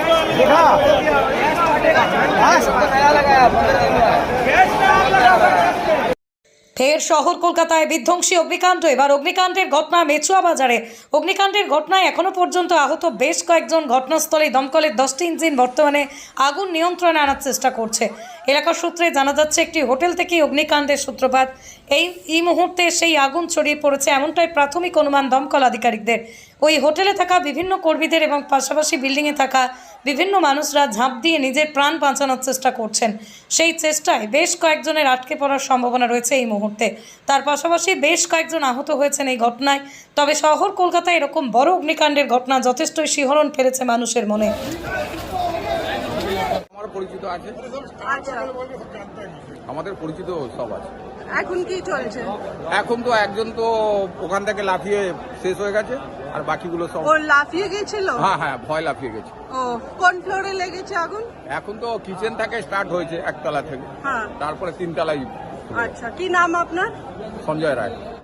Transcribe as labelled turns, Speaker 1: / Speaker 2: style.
Speaker 1: ফের শহর কলকাতায় বিধ্বংসী অগ্নিকাণ্ড। এবার অগ্নিকাণ্ডের ঘটনা মেচুয়া বাজারে। অগ্নিকাণ্ডের ঘটনায় এখনো পর্যন্ত আহত বেশ কয়েকজন। ঘটনাস্থলে দমকলের 10টি ইঞ্জিন বর্তমানে আগুন নিয়ন্ত্রণে আনার চেষ্টা করছে। এলাকার সূত্রে জানা যাচ্ছে একটি হোটেল থেকে অগ্নিকাণ্ডের সূত্রপাত। এই মুহূর্তে সেই আগুন ছড়িয়ে পড়েছে এমনটাই প্রাথমিক অনুমান দমকল আধিকারিকদের। ওই হোটেলে থাকা বিভিন্ন কর্মীদের এবং পাশাপাশি বিল্ডিংয়ে থাকা বিভিন্ন মানুষরা ঝাঁপ দিয়ে নিজের প্রাণ বাঁচানোর চেষ্টা করছেন। সেই চেষ্টায় বেশ কয়েকজনের আটকে পড়ার সম্ভাবনা রয়েছে এই মুহূর্তে। তার পাশাপাশি বেশ কয়েকজন আহত হয়েছেন এই ঘটনায়। তবে শহর কলকাতায় এরকম বড় অগ্নিকাণ্ডের ঘটনা যথেষ্টই শিহরণ ফেলেছে মানুষের মনে।
Speaker 2: পরিচিত আছে, আমাদের পরিচিত সব আছে।
Speaker 3: এখন কি চলছে?
Speaker 2: এখন তো একজন তো ওখান থেকে লাফিয়ে শেষ হয়ে গেছে, আর বাকিগুলো সব
Speaker 3: ও লাফিয়ে গেছিল।
Speaker 2: হ্যাঁ ভয় লাফিয়ে গেছে।
Speaker 3: ও কোন ফ্লোরে লেগেছে আগুন?
Speaker 2: এখন তো কিচেন থেকে স্টার্ট হয়েছে, একতলা থেকে,
Speaker 3: হ্যাঁ,
Speaker 2: তারপরে 3 তলায়।
Speaker 3: আচ্ছা, কি নাম আপনার?
Speaker 2: সঞ্জয় রায়।